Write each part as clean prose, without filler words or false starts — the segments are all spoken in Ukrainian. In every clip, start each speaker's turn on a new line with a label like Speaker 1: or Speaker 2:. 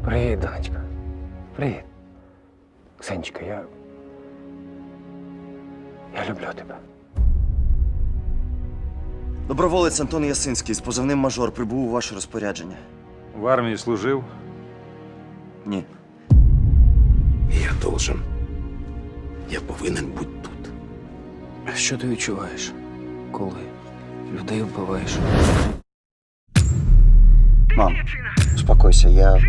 Speaker 1: Привіт, донечка. Привіт. Ксенечка, я люблю тебе.
Speaker 2: Доброволець Антон Ясинський з позивним «Мажор» прибув у ваше розпорядження.
Speaker 3: В армії служив?
Speaker 2: Ні.
Speaker 4: Я должен. Я повинен бути тут.
Speaker 1: Що ти відчуваєш, коли людей вбиваєш?
Speaker 2: Мам, успокойся, я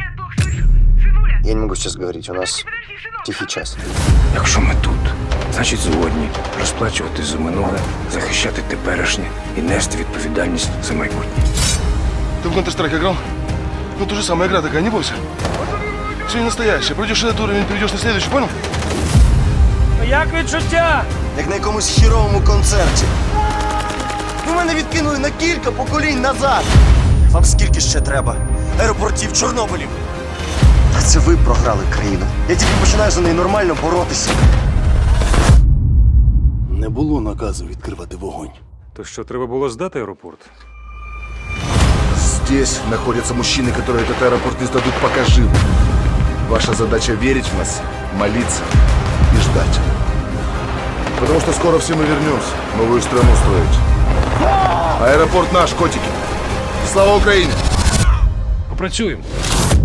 Speaker 2: не могу сейчас говорить, у нас тихий час.
Speaker 4: Якщо ми тут, значить згодні розплачувати за минуле, захищати теперішнє і нести відповідальність за майбутнє.
Speaker 5: Ты в Counter-Strike играл? Ну, то же самая игра такая, не бойся. Все не настоящее. Пройдешь этот уровень, перейдешь на следующий, понял?
Speaker 1: Як відчуття?
Speaker 2: Як на якомусь хіровому концерті. Ви мене відкинули на кілька поколінь назад. Вам скільки ще треба? Аеропортів, Чорнобилів. Та це ви програли країну. Я тільки починаю за неї нормально боротися.
Speaker 5: Не було наказу відкривати вогонь.
Speaker 3: То що, треба було здати аеропорт?
Speaker 5: Здесь находятся мужчины, которые этот аэропорт не сдадут пока живы. Ваша задача верить в нас, молиться и ждать. Потому что скоро все мы вернемся, новую страну строить. Аэропорт наш, котики. Слава Украине!
Speaker 3: Попрацюємо.